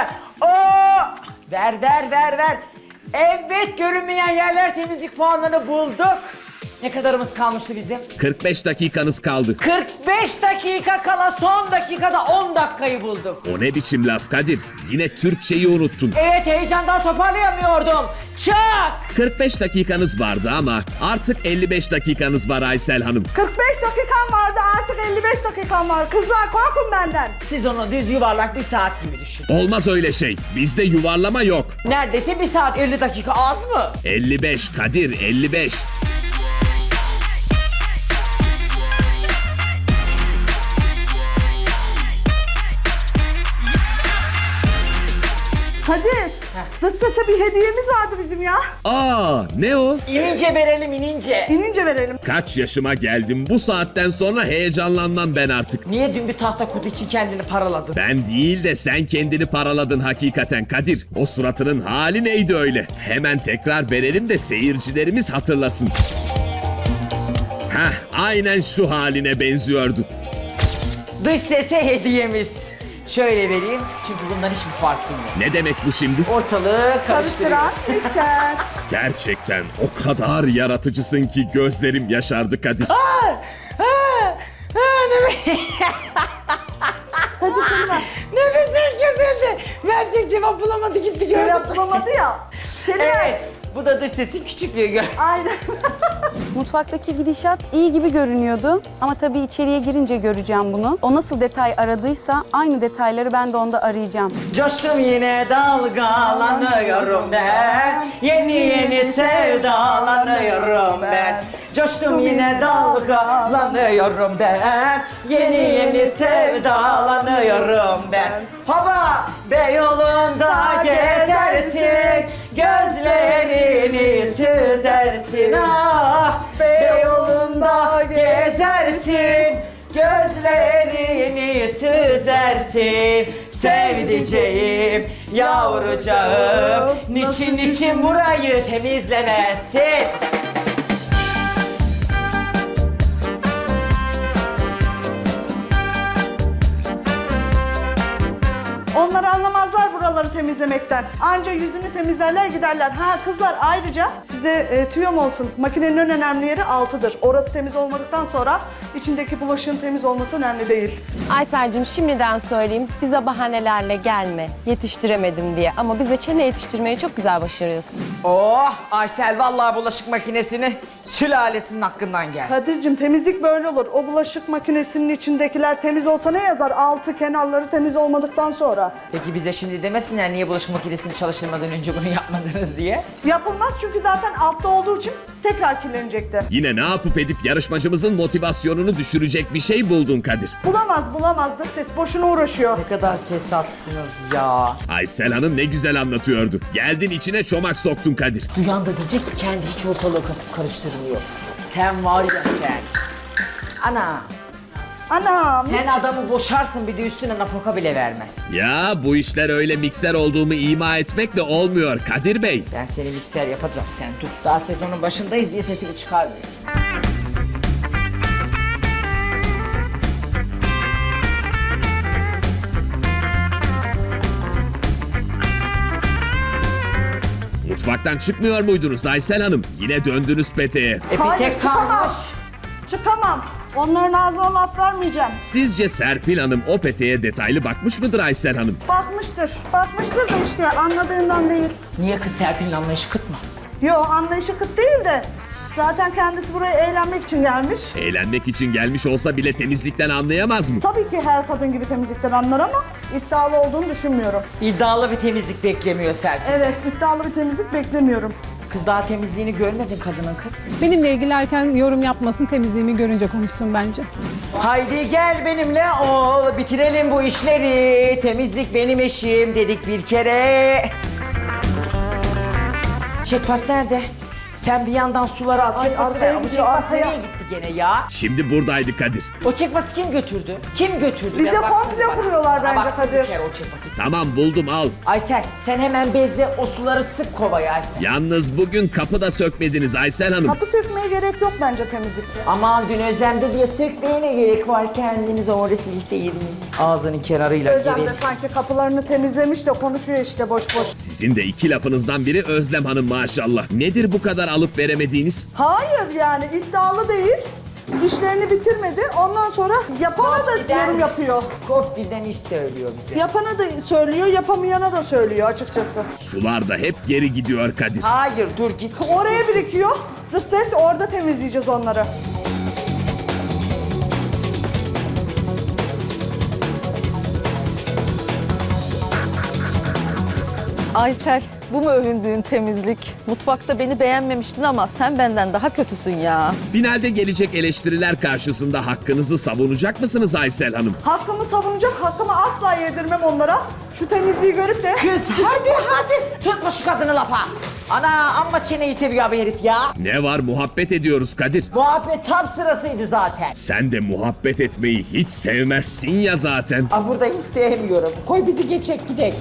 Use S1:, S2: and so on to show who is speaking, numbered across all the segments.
S1: ver. Oo! Ver. Evet, görünmeyen yerler temizlik puanlarını bulduk. Ne kadarımız kalmıştı bizim?
S2: 45 dakikanız kaldı.
S1: 45 dakika kala son dakikada 10 dakikayı bulduk.
S2: O ne biçim laf Kadir? Yine Türkçeyi unuttun.
S1: Evet, heyecandan toparlayamıyordum. Çak!
S2: 45 dakikanız vardı ama artık 55 dakikanız var Aysel Hanım.
S3: 45 dakikam vardı, artık 55 dakikam var. Kızlar korkun benden.
S1: Siz onu düz yuvarlak bir saat gibi düşünün.
S2: Olmaz öyle şey. Bizde yuvarlama yok.
S1: Neredeyse 1 saat 50 dakika az mı?
S2: 55 Kadir 55.
S3: Kadir, dış sese bir hediyemiz vardı bizim ya.
S2: Aa ne o?
S1: İnince verelim, inince.
S3: İnince verelim.
S2: Kaç yaşıma geldim, bu saatten sonra heyecanlanmam ben artık.
S1: Niye dün bir tahta kutu için kendini paraladın?
S2: Ben değil de sen kendini paraladın hakikaten Kadir. O suratının hali neydi öyle? Hemen tekrar verelim de seyircilerimiz hatırlasın. Aynen şu haline benziyordu.
S1: Dış sese hediyemiz. Şöyle vereyim çünkü bundan hiçbir farkım yok.
S2: Ne demek bu şimdi?
S1: Ortalığı
S3: Karıştıran
S1: karıştırıyoruz.
S3: mikser.
S2: Gerçekten o kadar yaratıcısın ki gözlerim yaşardı Kadir.
S3: Kadir kelime.
S1: Nefesim kesildi. Verecek cevap bulamadı, gitti gördüm.
S3: Cevap bulamadı ya. Kelime.
S1: Evet. Bu da dış sesin küçüklüğü gör.
S3: Aynen.
S4: Mutfaktaki gidişat iyi gibi görünüyordu ama tabii içeriye girince göreceğim bunu. O nasıl detay aradıysa aynı detayları ben de onda arayacağım.
S1: Coştum yine dalgalanıyorum ben. Yeni sevdalanıyorum ben. Coştum yine dalgalanıyorum ben. Yeni sevdalanıyorum ben. Hava Beyoğlu'nda gezersin, gözlerini süzersin. Ah Beyoğlu'nda gezersin, gözlerini süzersin. Sevdiceğim, yavrucağım, niçin burayı temizlemezsin?
S3: Onlar anlamazlar buraları temizlemekten. Anca yüzünü temizlerler giderler. Ha kızlar, ayrıca size tüyom olsun. Makinenin en önemli yeri altıdır. Orası temiz olmadıktan sonra içindeki bulaşığın temiz olması önemli değil.
S5: Aysel'cim şimdiden söyleyeyim, bize bahanelerle gelme, yetiştiremedim diye. Ama bize çene yetiştirmeyi çok güzel başarıyorsun.
S1: Oh Aysel, vallahi bulaşık makinesini sülalesinin hakkından gel.
S3: Kadir'cim, temizlik böyle olur. O bulaşık makinesinin içindekiler temiz olsa ne yazar? Altı kenarları temiz olmadıktan sonra.
S1: Peki bize şimdi demesinler niye bulaşık makinesini çalıştırmadan önce bunu yapmadınız diye.
S3: Yapılmaz çünkü zaten altta olduğu için tekrar kirlenecekti.
S2: Yine ne yapıp edip yarışmacımızın motivasyonunu düşürecek bir şey buldun Kadir.
S3: Bulamazdır ses. Boşuna uğraşıyor.
S1: Ne kadar fesatsınız ya.
S2: Aysel Hanım ne güzel anlatıyordu. Geldin içine çomak soktun Kadir.
S1: Duyan da diyecek ki kendi hiç ortalığı kapıp karıştırmıyor. Sen var ya sen. Ana.
S3: Anam.
S1: Sen adamı boşarsın, bir de üstüne nafaka bile vermez.
S2: Ya bu işler öyle mikser olduğumu ima etmekle olmuyor Kadir Bey.
S1: Ben seni mikser yapacağım, sen dur. Daha sezonun başındayız diye sesini çıkarmıyor.
S2: Mutfaktan çıkmıyor muydunuz Aysel Hanım? Yine döndünüz peteğe.
S1: Bir
S3: Hayır,
S1: tek
S3: çıkamam.
S1: kalmış.
S3: Çıkamam. Onların ağzına laf vermeyeceğim.
S2: Sizce Serpil Hanım o peteğe detaylı bakmış mıdır Aysel Hanım?
S3: Bakmıştır. Bakmıştır da işte anladığından değil.
S1: Niye kız Serpil'in anlayışı kıt mı?
S3: Yo, anlayışı kıt değil de. Zaten kendisi buraya eğlenmek için gelmiş.
S2: Eğlenmek için gelmiş olsa bile temizlikten anlayamaz mı?
S3: Tabii ki her kadın gibi temizlikten anlar ama iddialı olduğunu düşünmüyorum.
S1: İddialı bir temizlik beklemiyor Serpil.
S3: Evet, iddialı bir temizlik beklemiyorum.
S1: Kız daha temizliğini görmedin kadının kız.
S6: Benimle ilgilerken yorum yapmasın, temizliğimi görünce konuşsun bence.
S1: Haydi gel benimle ol, bitirelim bu işleri. Temizlik benim eşim dedik bir kere. Çekpas nerede? Sen bir yandan suları al.
S3: Ay,
S1: Çekpası
S3: arkaya
S1: ver. Bu
S3: gidiyor,
S1: çekpas
S3: arkaya.
S1: nereye gitti? gene ya?
S2: Şimdi buradaydı Kadir.
S1: O çekması kim götürdü? Kim götürdü?
S3: Bize
S1: Ben baksana
S3: komple
S1: bana.
S3: kuruyorlar
S1: Bana
S3: bence
S1: baksana bir
S3: Kadir.
S1: kere o çekması.
S2: Tamam buldum al.
S1: Aysel sen hemen bezle o suları sık kovaya Aysel.
S2: Yalnız bugün kapı da sökmediniz Aysel Hanım.
S3: Kapı sökmeye gerek yok bence temizlikte.
S1: Aman dün Özlem'de diye sökmeye ne gerek var, kendiniz orada silseydiniz. Ağzının kenarıyla
S3: Özlem de
S1: gelin.
S3: sanki kapılarını temizlemiş de konuşuyor işte boş boş.
S2: Sizin de iki lafınızdan biri Özlem Hanım maşallah. Nedir bu kadar alıp veremediğiniz?
S3: Hayır yani iddialı değil. İşlerini bitirmedi. Ondan sonra yapana da
S1: Kofti'den-
S3: yorum yapıyor.
S1: Kofti'den iş söylüyor bize.
S3: Yapana da söylüyor, yapamayana da söylüyor açıkçası.
S2: Sular da hep geri gidiyor Kadir.
S1: Hayır dur git.
S3: Oraya birikiyor. Dış ses orada temizleyeceğiz onları.
S7: Aysel, bu mu övündüğün temizlik? Mutfakta beni beğenmemiştin ama sen benden daha kötüsün ya.
S2: Finalde gelecek eleştiriler karşısında hakkınızı savunacak mısınız Aysel Hanım?
S3: Hakkımı savunacak, hakkımı asla yedirmem onlara. Şu temizliği görüp de...
S1: Kız hadi tutma şu kadını lafa. Ana amma çeneyi seviyor abi herif ya.
S2: Ne var muhabbet ediyoruz Kadir.
S1: Muhabbet tam sırasıydı zaten.
S2: Sen de muhabbet etmeyi hiç sevmezsin ya zaten.
S1: Aa, burada hiç sevmiyorum. Koy bizi geçek gidelim.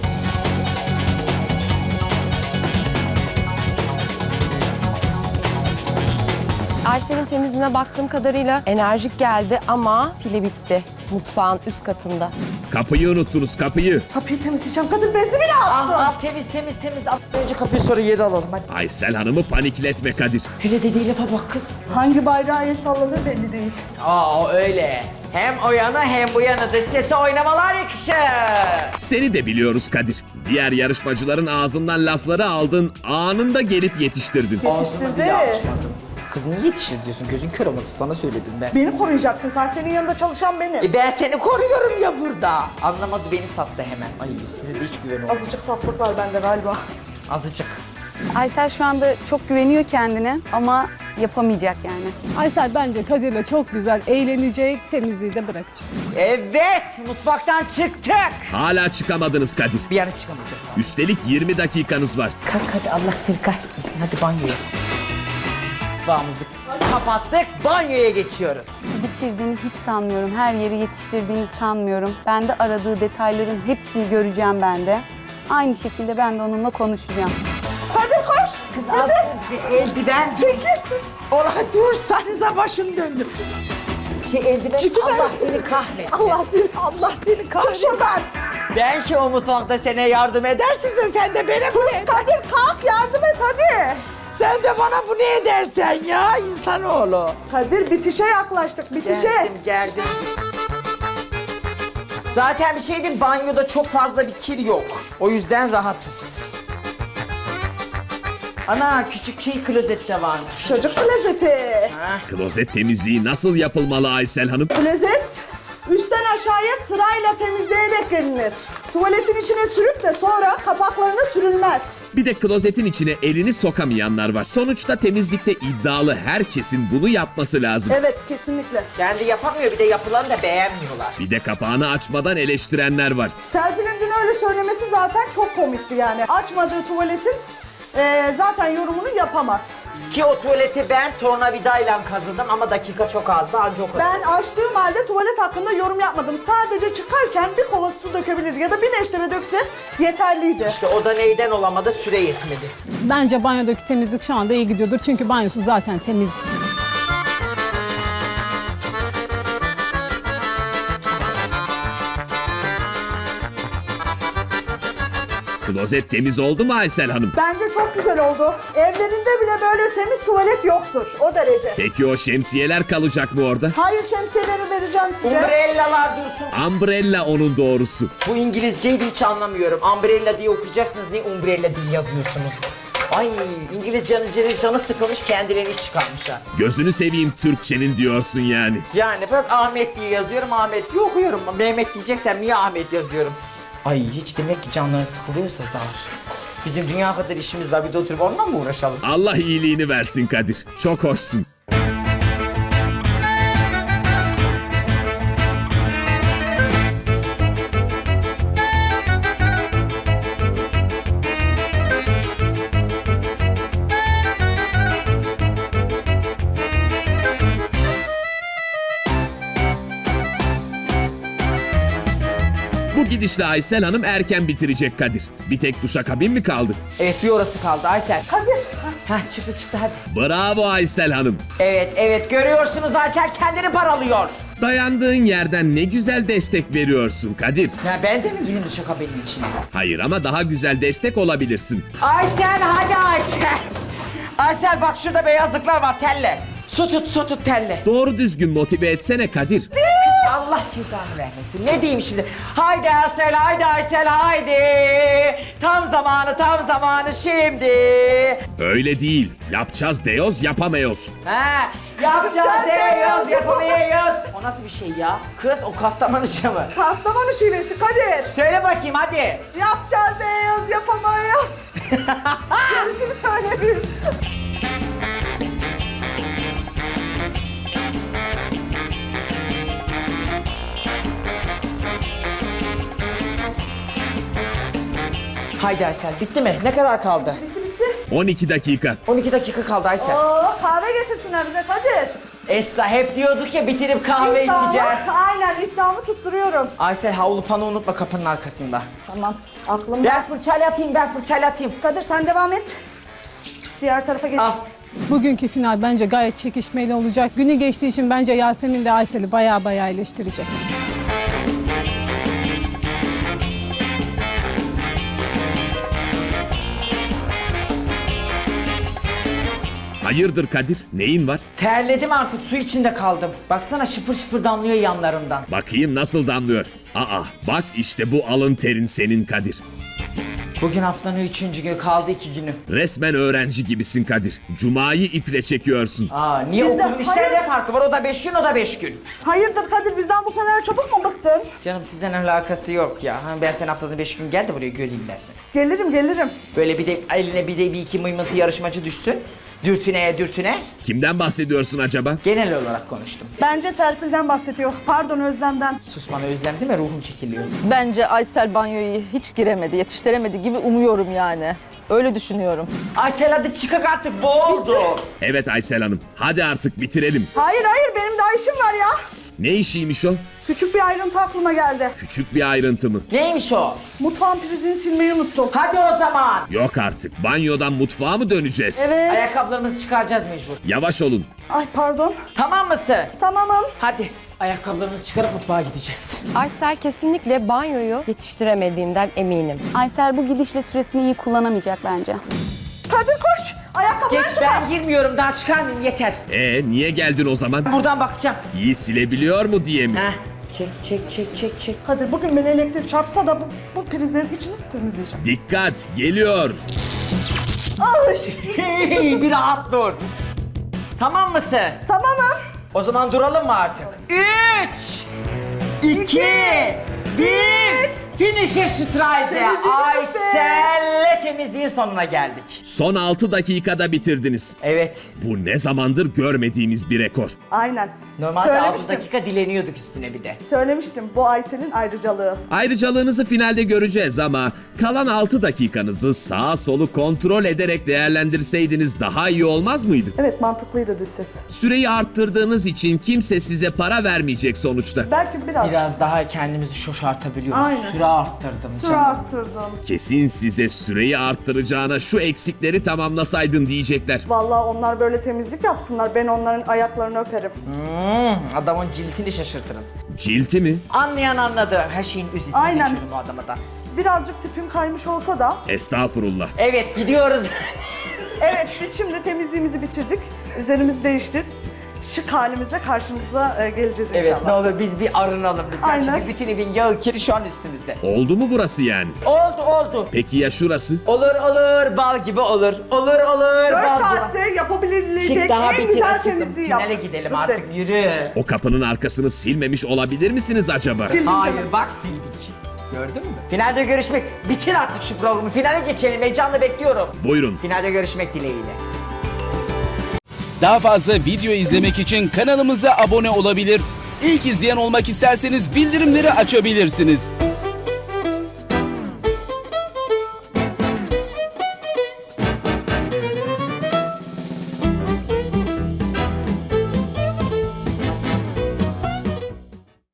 S5: Aysel'in temizliğine baktığım kadarıyla enerjik geldi ama pili bitti. Mutfağın üst katında.
S2: Kapıyı unuttunuz kapıyı.
S3: Kapıyı temizleyeceğim. Kadın bezi bile
S1: Al
S3: attı.
S1: al temiz. Al. Önce kapıyı sonra yeri alalım hadi.
S2: Aysel Hanım'ı panikletme Kadir.
S1: Hele dediği lafa bak kız.
S3: Hangi bayrağı el salladığı belli değil.
S1: Aa öyle. Hem o yana hem bu yana da sese oynamalar yakışır.
S2: Seni de biliyoruz Kadir. Diğer yarışmacıların ağzından lafları aldın, anında gelip yetiştirdin.
S3: Yetiştirdi.
S1: Kız niye yetişir diyorsun? Gözün kör olması sana söyledim ben.
S3: Beni koruyacaksın. Sen senin yanında çalışan benim.
S1: Ben seni koruyorum ya burada. Anlamadı beni sattı hemen. Ay size de hiç güven olmuyor.
S3: Azıcık saflık var bende galiba.
S1: Azıcık.
S4: Aysel şu anda çok güveniyor kendine ama yapamayacak yani.
S6: Aysel bence Kadir'le çok güzel eğlenecek, temizliği de bırakacak.
S1: Evet mutfaktan çıktık.
S2: Hala çıkamadınız Kadir.
S1: Bir yana çıkamayacağız.
S2: Üstelik 20 dakikanız var.
S1: Kalk hadi Allah seni kahretmesin. Hadi banyoya. Mutfağımızı kapattık. Banyoya geçiyoruz.
S4: Bitirdiğini hiç sanmıyorum. Her yeri yetiştirdiğini sanmıyorum. Ben de aradığı detayların hepsini göreceğim ben de. Aynı şekilde ben de onunla konuşacağım.
S3: Hadi koş.
S1: Kız az bir eldiven. Çekil. Ola dursanıza başım döndü. Eldiven
S3: Çekil
S1: Allah
S3: ben.
S1: seni kahretsin.
S3: Allah seni kahretsin. Çık şuradan.
S1: Belki o mutfakta sana yardım edersin sen de bana
S3: Sus Kadir kalk yardım et hadi.
S1: Sen de bana bu ne edersen ya insanoğlu.
S3: Kadir bitişe yaklaştık bitişe.
S1: Geldim. Zaten bir şey diyeyim, banyoda çok fazla bir kir yok. O yüzden rahatız. Ana küçük klozette varmış.
S3: Çocuk klozeti.
S2: Klozet temizliği nasıl yapılmalı Aysel Hanım?
S3: Klozet üstten aşağıya sırayla temizleyerek gelinir. Tuvaletin içine sürüp de sonra kapaklarına sürülmez.
S2: Bir de klozetin içine elini sokamayanlar var. Sonuçta temizlikte iddialı herkesin bunu yapması lazım.
S3: Evet kesinlikle.
S1: Kendi yapamıyor, bir de yapılanı da beğenmiyorlar.
S2: Bir de kapağını açmadan eleştirenler var.
S3: Serpil'in dün öyle söylemesi zaten çok komikti yani. Açmadığı tuvaletin zaten yorumunu yapamaz.
S1: Ki o tuvaleti ben tornavidayla kazıdım ama dakika çok azdı, anca o kadar.
S3: Ben açtığım halde tuvalet hakkında yorum yapmadım. Sadece çıkarken bir kova su dökebilirdi ya da bir neşteme dökse yeterliydi.
S1: İşte o da neyden olamadı, süre yetmedi.
S6: Bence banyodaki temizlik şu anda iyi gidiyordur. Çünkü banyosu zaten temiz.
S2: Klozet temiz oldu mu Aysel Hanım?
S3: Bence çok güzel oldu. Evlerinde bile böyle temiz tuvalet yoktur. O derece.
S2: Peki o şemsiyeler kalacak mı orada?
S3: Hayır şemsiyeleri vereceğim size.
S1: Umbrellalar dursun.
S2: Umbrella onun doğrusu.
S1: Bu İngilizceyi de hiç anlamıyorum. Umbrella diye okuyacaksınız, niye umbrella diye yazıyorsunuz? Ay İngilizcenin canı sıkılmış, kendilerini iş çıkarmışlar.
S2: Gözünü seveyim Türkçenin diyorsun yani.
S1: Yani ben Ahmet diye yazıyorum, Ahmet diye okuyorum. Mehmet diyeceksem niye Ahmet yazıyorum? Ay hiç demek ki canları sıkılıyorsa zar. Bizim dünya kadar işimiz var, bir de oturup onunla mı uğraşalım?
S2: Allah iyiliğini versin Kadir. Çok hoşsun. gidişle Aysel Hanım erken bitirecek Kadir. Bir tek duşakabin mi kaldı?
S1: Evet bir orası kaldı Aysel.
S3: Kadir.
S1: Heh çıktı hadi.
S2: Bravo Aysel Hanım.
S1: Evet görüyorsunuz Aysel kendini paralıyor.
S2: Dayandığın yerden ne güzel destek veriyorsun Kadir.
S1: Ya ben de mi gireyim duşakabinin içine?
S2: Hayır ama daha güzel destek olabilirsin.
S1: Aysel hadi Aysel. Aysel bak şurada beyazlıklar var telle. Su tut telle.
S2: Doğru düzgün motive etsene Kadir.
S1: Allah cezanı vermesin. Ne diyeyim şimdi? Haydi Aysel, haydi Aysel, haydi. Tam zamanı şimdi.
S2: Öyle değil. Yapacağız diyoruz yapamıyoruz.
S1: Ha, yapacağız diyoruz, yapamayız. O nasıl bir şey ya? Kız o Kastamonuca mı?
S3: Kastamonu şivesi Kadir.
S1: Söyle bakayım hadi.
S3: Yapacağız diyoruz, yapamayız. Gerisini söylemiyorum.
S1: Haydi Aysel bitti mi? Ne kadar kaldı?
S2: 12 dakika.
S1: 12 dakika kaldı Aysel.
S3: Oo, kahve getirsinler bize Kadir.
S1: Esra hep diyorduk ya bitirip kahve içeceğiz.
S3: Aynen iddiamı tutturuyorum.
S1: Aysel havlu pano unutma kapının arkasında.
S3: Tamam aklımda.
S1: Ben fırçayla atayım.
S3: Kadir sen devam et. Diğer tarafa geç.
S1: Al.
S6: Bugünkü final bence gayet çekişmeli olacak. Günü geçtiği için bence Yasemin de Aysel'i baya eleştirecek.
S2: Hayırdır Kadir? Neyin var?
S1: Terledim artık su içinde kaldım. Baksana şıpır şıpır damlıyor yanlarımdan.
S2: Bakayım nasıl damlıyor. Aa bak işte bu alın terin senin Kadir.
S1: Bugün haftanın 3. günü kaldı 2 günü.
S2: Resmen öğrenci gibisin Kadir. Cumayı iple çekiyorsun.
S1: Aa niye
S3: Bizde-
S1: okulun işlerine
S3: hayır.
S1: farkı var? O da 5 gün o da 5 gün.
S3: Hayırdır Kadir bizden bu kadar çabuk mu bıktın?
S1: Canım sizden alakası yok ya. Ha, ben sen haftada 5 gün gel de buraya göreyim ben seni.
S3: Gelirim.
S1: Böyle bir de eline bir iki mıymıntı yarışmacı düşsün. Dürtüne.
S2: Kimden bahsediyorsun acaba?
S1: Genel olarak konuştum.
S3: Bence Serpil'den bahsediyor. Pardon Özlem'den.
S1: Sus bana özlem değil mi? Ruhum çekiliyor.
S7: Bence Aysel banyoyu hiç giremedi, yetiştiremedi gibi umuyorum yani. Öyle düşünüyorum.
S1: Aysel hadi çıkak artık boğuldu.
S2: Evet Aysel Hanım. Hadi artık bitirelim.
S3: Hayır benim daha işim var ya.
S2: Ne işiymiş o?
S3: Küçük bir ayrıntı aklıma geldi.
S2: Küçük bir ayrıntı mı?
S1: Neymiş o?
S3: Mutfağın prizini silmeyi unuttum.
S1: Hadi o zaman.
S2: Yok artık. Banyodan mutfağa mı döneceğiz?
S3: Evet.
S1: Ayakkabılarımızı çıkaracağız mecbur.
S2: Yavaş olun.
S3: Ay pardon.
S1: Tamam mısın?
S3: Tamamım.
S1: Hadi. Ayakkabılarımızı çıkarıp mutfağa gideceğiz.
S5: Aysel kesinlikle banyoyu yetiştiremediğinden eminim.
S4: Aysel bu gidişle süresini iyi kullanamayacak bence.
S3: Kadir koş. Ayakkabıları
S1: Geç
S3: çıkar.
S1: ben girmiyorum daha çıkarmayayım yeter.
S2: Niye geldin o zaman?
S1: Buradan bakacağım.
S2: İyi silebiliyor mu diye mi?
S1: Heh. Çek.
S3: Kadir bugün beni elektrik çarpsa da bu prizlerin içini temizleyeceğim.
S2: Dikkat geliyor.
S3: Ay.
S1: Bir rahat dur. Tamam mısın?
S3: Tamamım.
S1: O zaman duralım mı artık? 3, 2, 1. Finish'e Streise. Aysel'le temizliğin sonuna geldik.
S2: Son 6 dakikada bitirdiniz.
S1: Evet.
S2: Bu ne zamandır görmediğimiz bir rekor.
S3: Aynen.
S1: Normalde 6
S3: Söylemiştim.
S1: dakika dileniyorduk üstüne bir de.
S3: Söylemiştim bu Aysel'in ayrıcalığı.
S2: Ayrıcalığınızı finalde göreceğiz ama kalan 6 dakikanızı sağa solu kontrol ederek değerlendirseydiniz daha iyi olmaz mıydı?
S3: Evet mantıklıydı dış ses.
S2: Süreyi arttırdığınız için kimse size para vermeyecek sonuçta.
S3: Belki
S1: Biraz daha kendimizi şoşartabiliyoruz.
S3: Aynen.
S1: Süre arttırdım
S3: süre
S1: canım.
S3: arttırdım.
S2: Kesin size süreyi arttıracağına şu eksikleri tamamlasaydın diyecekler.
S3: Vallahi onlar böyle temizlik yapsınlar. Ben onların ayaklarını öperim.
S1: Adamın ciltini şaşırtırız.
S2: Cilti mi?
S1: Anlayan anladı. Her şeyin üzerine
S3: Aynen.
S1: geçiyorum bu adama da.
S3: Birazcık tipim kaymış olsa da.
S2: Estağfurullah.
S1: Evet gidiyoruz.
S3: Evet biz şimdi temizliğimizi bitirdik. Üzerimizi değiştirdik. Şık halimizle karşınıza geleceğiz inşallah.
S1: Evet ne olur biz bir arınalım lütfen.
S3: Aynen.
S1: Çünkü bütün evin yağı kiri şu an üstümüzde.
S2: Oldu mu burası yani?
S1: Oldu.
S2: Peki ya şurası?
S1: Olur bal gibi olur. Olur
S3: 4
S1: bal gibi.
S3: saatte yapabilecek
S1: Çık daha
S3: en
S1: bitir
S3: güzel
S1: açıkım.
S3: temizliği yap.
S1: Finale gidelim
S3: Dış
S1: artık
S3: ses.
S1: yürü.
S2: O kapının arkasını silmemiş olabilir misiniz acaba?
S3: Sildim
S1: Hayır
S3: canım.
S1: bak sildik. Gördün mü? Finalde görüşmek. Bitir artık şu programı. Finale geçelim. Heyecanla bekliyorum.
S2: Buyurun.
S1: Finalde görüşmek dileğiyle.
S8: Daha fazla video izlemek için kanalımıza abone olabilir. İlk izleyen olmak isterseniz bildirimleri açabilirsiniz.